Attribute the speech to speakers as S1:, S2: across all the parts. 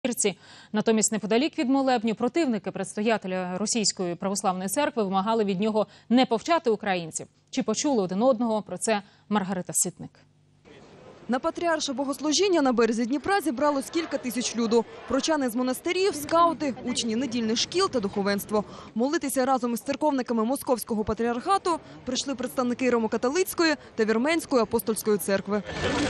S1: вечірці. Натомість неподалік від молебню противники предстоятеля Російської православної церкви вимагали від нього не повчати українців. Чи почули один одного? Про це Маргарита Ситник.
S2: На патріарше богослужіння на березі Дніпра зібралось кілька тисяч люду. Прочани з монастирів, скаути, учні недільних шкіл та духовенство. Молитися разом із церковниками Московського патріархату прийшли представники Римокатолицької та Вірменської апостольської церкви.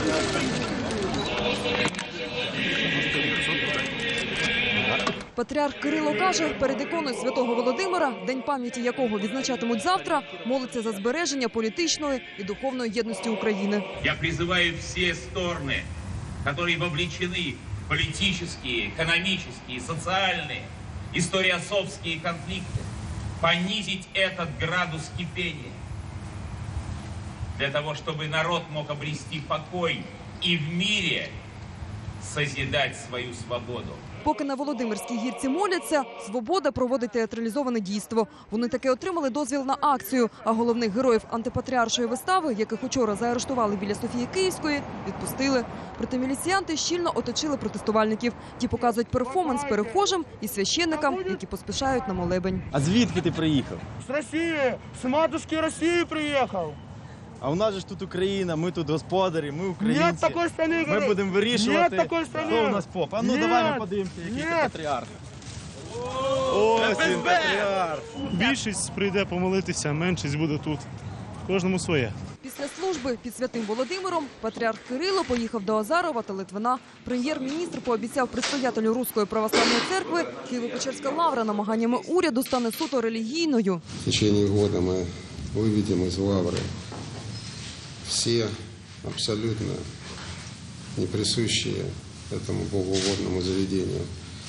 S2: Патріарх Кирило каже, перед іконою святого Володимира, день пам'яті якого відзначатимуть завтра, молиться за збереження політичної і духовної єдності України.
S3: Я призиваю всі сторони, які вовлечені в політичні, економічні, соціальні, історіосовські конфлікти, понизити цей градус кипіння, для того, щоб народ мог обрести покой і в мирі созидати свою свободу.
S2: Поки на Володимирській гірці моляться, «Свобода» проводить театралізоване дійство. Вони таки отримали дозвіл на акцію, а головних героїв антипатріаршої вистави, яких учора заарештували біля Софії Київської, відпустили. Проте міліціянти щільно оточили протестувальників. Ті показують перформанс перехожим і священникам, які поспішають на молебень.
S4: А звідки ти приїхав?
S5: З Росії, з матушки Росії приїхав.
S4: А у нас же ж тут Україна, ми тут господарі, ми українці.
S5: Нет такої страни.
S4: Ми будемо вирішувати,
S5: Нет такої страни.
S4: хто у нас поп. А ну
S5: Нет.
S4: давай ми подивимося, який це патріарх. Ось він, патріарх.
S6: Більшість прийде помолитися, меншість буде тут. Кожному своє.
S2: Після служби під Святим Володимиром патріарх Кирило поїхав до Азарова та Литвина. Прем'єр-міністр пообіцяв предстоятелю Руської православної церкви, Києво-Печерська лавра намаганнями уряду стане суто релігійною.
S7: В течение года мы выведем из лавры все абсолютно не присущие этому богоугодному заведению.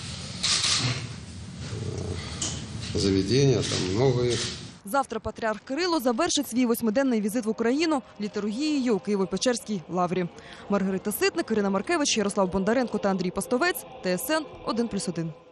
S7: Заведения, там много их.
S2: Завтра патріарх Кирило завершить свій 8-денний візит в Україну літургією у Києво-Печерській лаврі. Маргарита Ситник, Ірина Маркевич, Ярослав Бондаренко та Андрій Пастовець. ТСН 1+1.